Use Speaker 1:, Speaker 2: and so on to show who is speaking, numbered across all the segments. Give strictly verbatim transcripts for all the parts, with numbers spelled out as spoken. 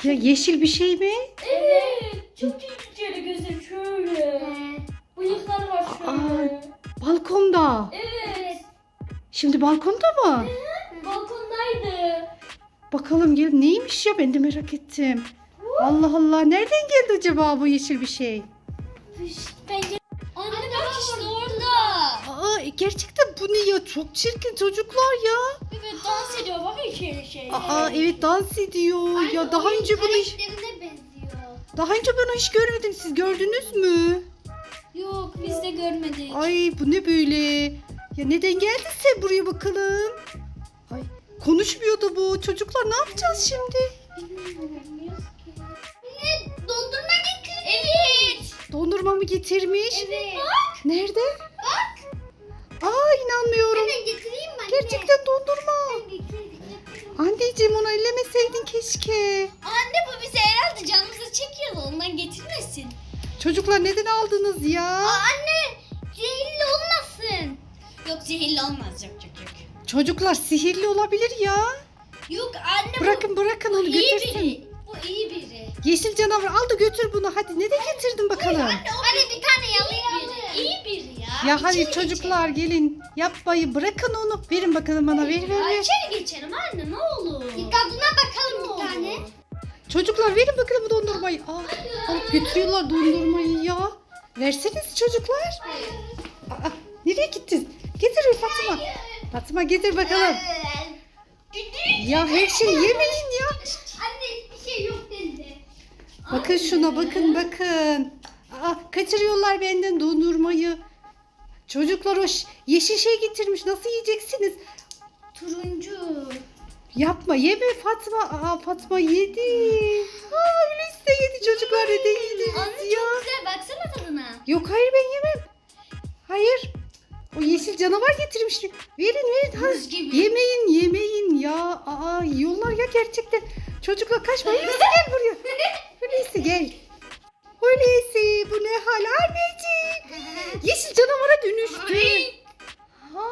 Speaker 1: Ya yeşil bir şey mi?
Speaker 2: Evet. Çok tehlikeli gözleri şöyle.
Speaker 3: Evet.
Speaker 2: Bıyıklar var şöyle.
Speaker 1: Balkonda.
Speaker 2: Evet.
Speaker 1: Şimdi balkonda mı?
Speaker 2: Balkondaydı.
Speaker 1: Bakalım gel neymiş ya, ben de merak ettim. Allah Allah, nereden geldi acaba bu yeşil bir şey?
Speaker 2: Bence... Anne bak işte orada.
Speaker 1: Aa, gerçekten bu ne ya, çok çirkin çocuklar ya.
Speaker 2: Evet dans ediyor bak içeri şey.
Speaker 1: Aa evet, dans ediyor ya, daha önce bunu hiç,
Speaker 3: Karakterine benziyor.
Speaker 1: daha önce bunu hiç görmedim, siz gördünüz mü?
Speaker 2: Yok biz de görmedik.
Speaker 1: Ay bu ne böyle? Ya neden geldin sen buraya bakalım? Ay konuşmuyordu bu. Çocuklar ne yapacağız şimdi?
Speaker 3: Ne? Dondurma getir.
Speaker 2: Evet.
Speaker 1: Dondurma mı getirmiş?
Speaker 3: Evet.
Speaker 1: Nerede?
Speaker 3: Bak.
Speaker 1: Aa inanmıyorum.
Speaker 3: Hemen getireyim mi anne?
Speaker 1: Gerçekten dondurma.
Speaker 3: Getir, getir.
Speaker 1: Anneciğim onu ellemeseydin keşke.
Speaker 2: Anne bu bize herhalde canımızı çekiyor ondan getirmesin.
Speaker 1: Çocuklar neden aldınız ya?
Speaker 3: Anne, zehirli olmasın.
Speaker 2: Yok zehirli olmaz yok yok yok.
Speaker 1: Çocuklar sihirli olabilir ya.
Speaker 2: Yok anne
Speaker 1: Bırakın bırakın
Speaker 2: bu
Speaker 1: onu
Speaker 2: iyi
Speaker 1: götürsün.
Speaker 2: biri. Bu iyi biri.
Speaker 1: Yeşil canavar al da götür bunu. Hadi neden getirdin bakalım?
Speaker 3: Anne bir tane
Speaker 2: İyi
Speaker 3: yalayalım.
Speaker 2: biri. İyi biri ya.
Speaker 1: Ya hadi
Speaker 2: İçeri
Speaker 1: çocuklar gelin. Yapmayın, bırakın onu. Verin bakalım bana, ver ver
Speaker 2: geçelim. Ya
Speaker 1: ver.
Speaker 2: içeri geçelim anne ne olur.
Speaker 3: Bir tadına bakalım bir tane.
Speaker 1: Çocuklar verin bakalım bu dondurmayı. Aa, alıp götürüyorlar dondurmayı ya. Verseniz çocuklar. Aa, nereye gittin? Getir Fatma. Fatma getir bakalım. Ya her şeyi yemeyin ya.
Speaker 3: Anne hiçbir şey yok dedi.
Speaker 1: Bakın şuna, bakın bakın. Aa, kaçırıyorlar benden dondurmayı. Çocuklar o ş- yeşil şey getirmiş. Nasıl yiyeceksiniz?
Speaker 2: Turuncu.
Speaker 1: Yapma, yeme Fatma. Aa, Fatma yedi. Aa, Hulusi de yedi çocuklar. Neden yediniz
Speaker 2: Anne
Speaker 1: ya?
Speaker 2: çok güzel baksana tadına.
Speaker 1: Yok hayır, ben yemem. Hayır. O yeşil canavar getirmiş. Verin verin. Ha,
Speaker 2: Buz gibi.
Speaker 1: yemeyin yemeyin ya. Aa, yiyorlar ya gerçekten. Çocuklar kaçma. Hulusi gel buraya. Hulusi gel. Hulusi bu ne hal anneciğim? Yeşil canavara dönüştü. Ha.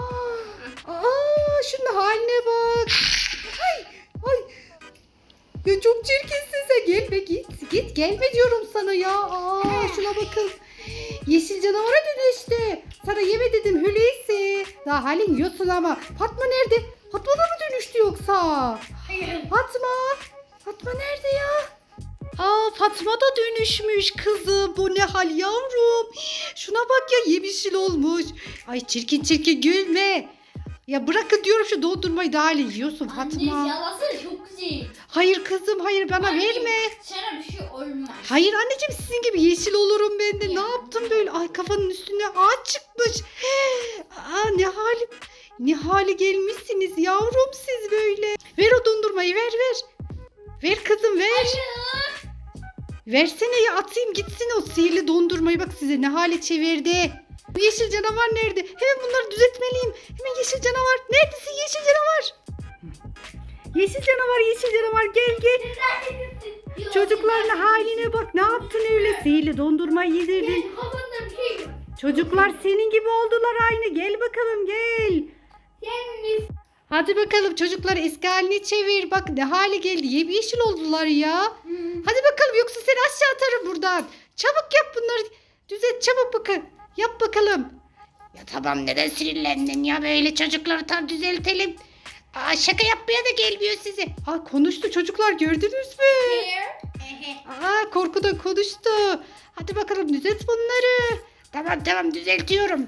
Speaker 1: Aa, şunun haline bak. Ay, ay. Ya çok çirkinsin sen. Gelme git. Git gelme diyorum sana ya. Aa, şuna bakın. Yeşil canavara dönüştü. Sana yeme dedim Hulusi. Daha halin yiyorsun ama. Fatma nerede? Fatma da mı dönüştü yoksa? Fatma. Fatma nerede ya? Aa, Fatma da dönüşmüş kızım. Bu ne hal yavrum? Şuna bak ya, yemişil olmuş. Ay çirkin çirkin gülme. Ya bırakın diyorum şu dondurmayı, daha hali yiyorsun Fatma.
Speaker 2: Anne yalasana çok güzel.
Speaker 1: Hayır kızım hayır, bana
Speaker 2: Anne,
Speaker 1: verme.
Speaker 2: Sana bir şey olmaz.
Speaker 1: Hayır anneciğim, sizin gibi yeşil olurum ben de. Ne yaptım böyle? Ay kafanın üstüne ağaç çıkmış. Aa, ne hali ne hali gelmişsiniz yavrum siz böyle. Ver o dondurmayı, ver ver. Ver kızım ver.
Speaker 2: Hayır.
Speaker 1: Versene ya, atayım gitsin o sihirli dondurmayı, bak size ne hale çevirdi. Bu yeşil canavar nerede? Hemen bunları düzeltmeliyim. Hemen yeşil canavar. Neredesin yeşil canavar? Yeşil canavar, yeşil canavar gel gel. Çocukların haline bak, ne yaptın öyle? Sihirli dondurmayı yedirdin.
Speaker 3: Kafanda bir şey yok.
Speaker 1: Çocuklar senin gibi oldular aynı. Gel bakalım gel.
Speaker 3: Gelmiş.
Speaker 1: Hadi bakalım çocuklar, eski haline çevir. Bak ne hale geldi. Yemyeşil oldular ya. Hadi bakalım, yoksa seni aşağı atarım buradan. Çabuk yap bunları. Düzelt çabuk bakın. Yap bakalım. Ya tamam, neden sinirlendin ya, böyle çocukları tam düzeltelim. Aa, şaka yapmaya da gelmiyor size. Aa, konuştu çocuklar, gördünüz mü? Aa, korkudan konuştu. Hadi bakalım düzelt bunları. Tamam tamam düzeltiyorum.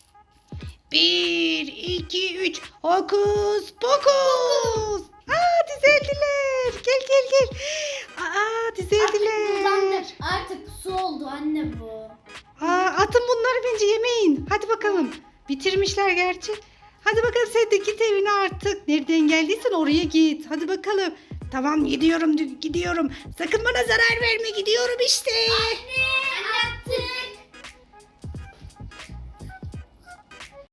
Speaker 1: Bir, iki, üç. Hokus pokus. Aa, düzeldiler. Gel gel gel. Aa, düzeldiler.
Speaker 2: Kullandır. Artık su oldu anne bu.
Speaker 1: Aa, atın bunları, bence yemeyin. Hadi bakalım. Bitirmişler gerçi. Hadi bakalım sen de git evine artık. Nereden geldiysen oraya git. Hadi bakalım. Tamam gidiyorum gidiyorum. Sakın bana zarar verme, gidiyorum işte.
Speaker 3: Anne. Anne.